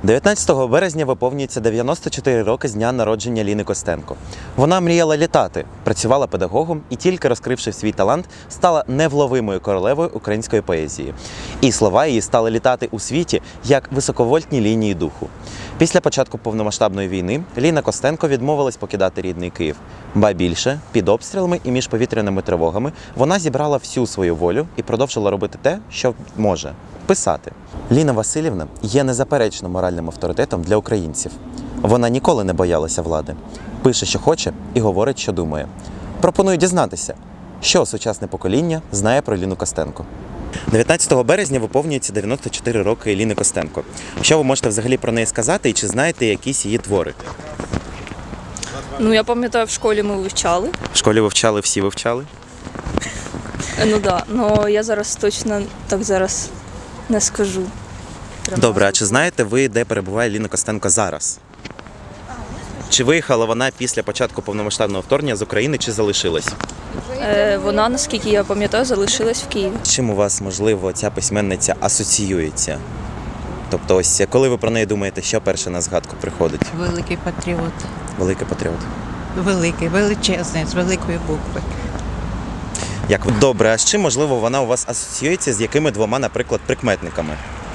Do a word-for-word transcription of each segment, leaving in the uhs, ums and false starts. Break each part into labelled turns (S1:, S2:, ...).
S1: дев'ятнадцятого березня виповнюється дев'яносто чотири роки з дня народження Ліни Костенко. Вона мріяла літати, працювала педагогом і, тільки розкривши свій талант, стала невловимою королевою української поезії. І слова її стали літати у світі, як високовольтні лінії духу. Після початку повномасштабної війни Ліна Костенко відмовилась покидати рідний Київ. Ба більше, під обстрілами і між повітряними тривогами вона зібрала всю свою волю і продовжила робити те, що може – писати. Ліна Василівна є незаперечно моральним авторитетом для українців. Вона ніколи не боялася влади. Пише, що хоче, і говорить, що думає. Пропоную дізнатися, що сучасне покоління знає про Ліну Костенко. дев'ятнадцятого березня виповнюється дев'яносто чотири роки Ліни Костенко. Що ви можете взагалі про неї сказати і чи знаєте якісь її твори?
S2: Ну, я пам'ятаю, в школі ми вивчали.
S1: В школі вивчали, всі вивчали?
S2: Ну так, да. Ну я зараз точно так зараз не скажу.
S1: Добре, а чи знаєте ви, де перебуває Ліна Костенко зараз? Чи виїхала вона після початку повномасштабного вторгнення з України, чи залишилась?
S2: Е, вона, наскільки я пам'ятаю, залишилась в Києві.
S1: З чим у вас, можливо, ця письменниця асоціюється? Тобто ось, коли ви про неї думаєте, що перше на згадку приходить?
S3: Великий патріот.
S1: Великий патріот.
S3: Великий, величезний, з великої букви.
S1: Як ви? Добре, а з чим, можливо, вона у вас асоціюється, з якими двома, наприклад, прикметниками?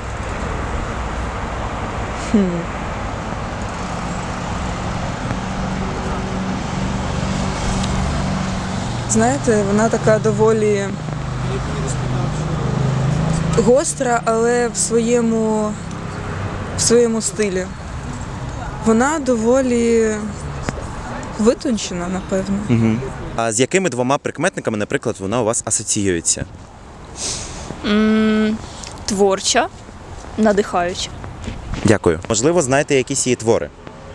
S2: Хм.
S4: Знаєте, вона така доволі гостра, але в своєму, в своєму стилі. Вона доволі витончена, напевно.
S1: Угу. А з якими двома прикметниками, наприклад, вона у вас асоціюється?
S2: М, Творча, надихаюча.
S1: Дякую. Можливо, знаєте якісь її твори?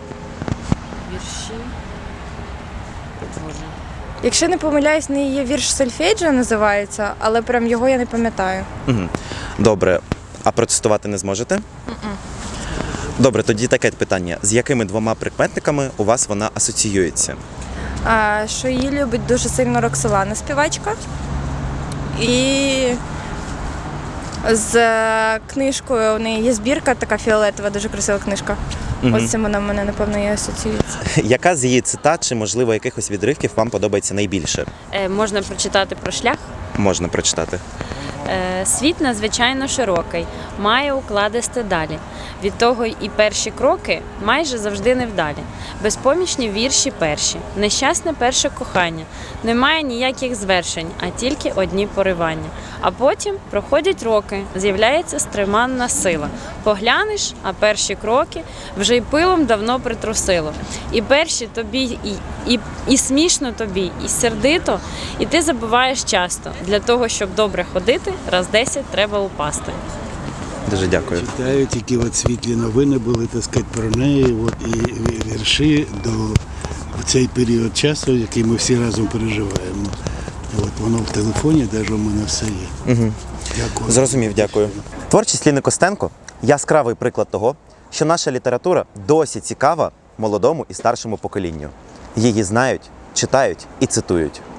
S5: Якщо не помиляюсь, не є вірш «Сольфеджіо» називається, але прям його я не пам'ятаю.
S1: Угу. Добре. А процитувати не зможете?
S5: Mm-mm.
S1: Добре, тоді таке питання. З якими двома прикметниками у вас вона асоціюється?
S5: А, що її любить дуже сильно Роксолана, співачка. І з книжкою у неї є збірка, така фіолетова, дуже красива книжка.
S1: Угу.
S5: Ось цим вона в мене, напевно, і асоціюється.
S1: Яка з її цитат чи, можливо, якихось відривків вам подобається найбільше?
S6: Е, Можна прочитати про шлях.
S1: Можна прочитати.
S6: Е, Світ надзвичайно широкий, має укладисти далі. Від того і перші кроки майже завжди невдалі. Безпомічні вірші перші, нещасне перше кохання. Немає ніяких звершень, а тільки одні поривання. А потім проходять роки, з'являється стриманна сила. Поглянеш, а перші кроки вже й пилом давно притрусило. І перші тобі, і, і, і смішно тобі, і сердито, і ти забуваєш часто. Для того, щоб добре ходити, раз десять треба упасти.
S1: Дуже дякую.
S7: Читаю, тільки от світлі новини були, так сказати, про неї, от, і вірші до в цей період часу, який ми всі разом переживаємо. От, воно в телефоні, навіть у мене все є.
S1: Угу.
S7: Дякую.
S1: Зрозумів, дякую. Творчість Ліни Костенко – яскравий приклад того, що наша література досі цікава молодому і старшому поколінню. Її знають, читають і цитують.